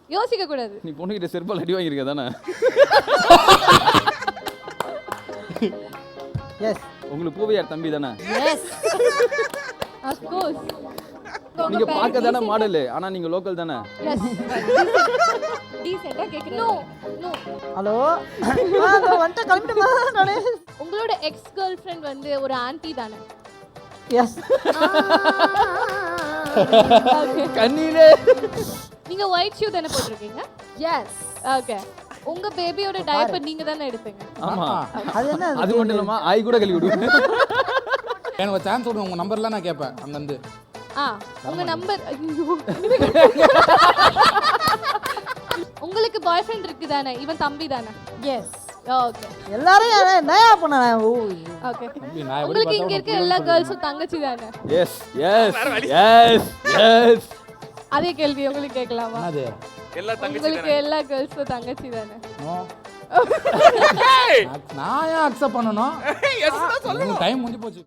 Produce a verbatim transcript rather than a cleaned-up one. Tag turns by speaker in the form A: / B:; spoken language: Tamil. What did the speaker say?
A: யோசிக்க கூடாது.
B: நீ பொண்ணுகிட்ட செருப்பால் அடி வாங்கியிருக்க தானே?
C: எஸ்.
B: உங்களுக்கு பூவையார் தம்பி தானே?
C: எஸ்.
A: Of course.
B: நீங்க பார்க்க தானே மாடல், ஆனா நீங்க லோக்கல் தானே?
A: எஸ். டீசென்ட்டா கேக்குறேன். No no.
C: ஹலோ நான் வந்து கிளம்பிட்டமா நானே.
A: உங்களோட எக்ஸ் கேர்ள் ஃப்ரெண்ட் வந்து ஒரு ஆன்ட்டி தானே?
C: எஸ்.
B: கண்ணீரே.
A: நீங்க ஒயிட் ஷூ தானே போட்டுருக்கீங்க?
C: எஸ்.
A: ஓகே. உங்க பேபியோட டயப்பர் நீங்க தானே எடுப்பீங்க?
B: ஆமா.
C: அது என்ன?
B: அது மட்டும் இல்லாம ஆய் கூட கழுவி விடுவேன்.
D: எனக்கு ஒரு சான்ஸ் கொடுங்க, உங்க நம்பர்லாம் நான் கேட்பேன் அங்க இருந்து.
A: ஆ உங்க நம்பர். உங்களுக்கு பாய் ஃப்ரெண்ட் இருக்கு தானே? இவன் தம்பி தானே?
C: எஸ்.
A: ஓகே.
C: எல்லாரும் என்னையா பண்ண ஓ
A: ஓகே.
D: தம்பி, நான் எப்படி
A: உங்களுக்கு இங்க
D: பார்த்தா
A: இருக்க எல்லா கேர்ள்ஸும் தங்கச்சி தானே?
B: Yes yes yes yes.
A: அதே கேள்வி உங்களுக்கு கேட்கலாமா?
D: என்னது?
E: எல்லா தங்கச்சி
A: உங்களுக்கு எல்லா கேர்ள்ஸும் தங்கச்சி தானே?
D: நோ. நான் ஏன் அக்செப்ட் பண்ணணும்? டைம் முடிஞ்சு போச்சு.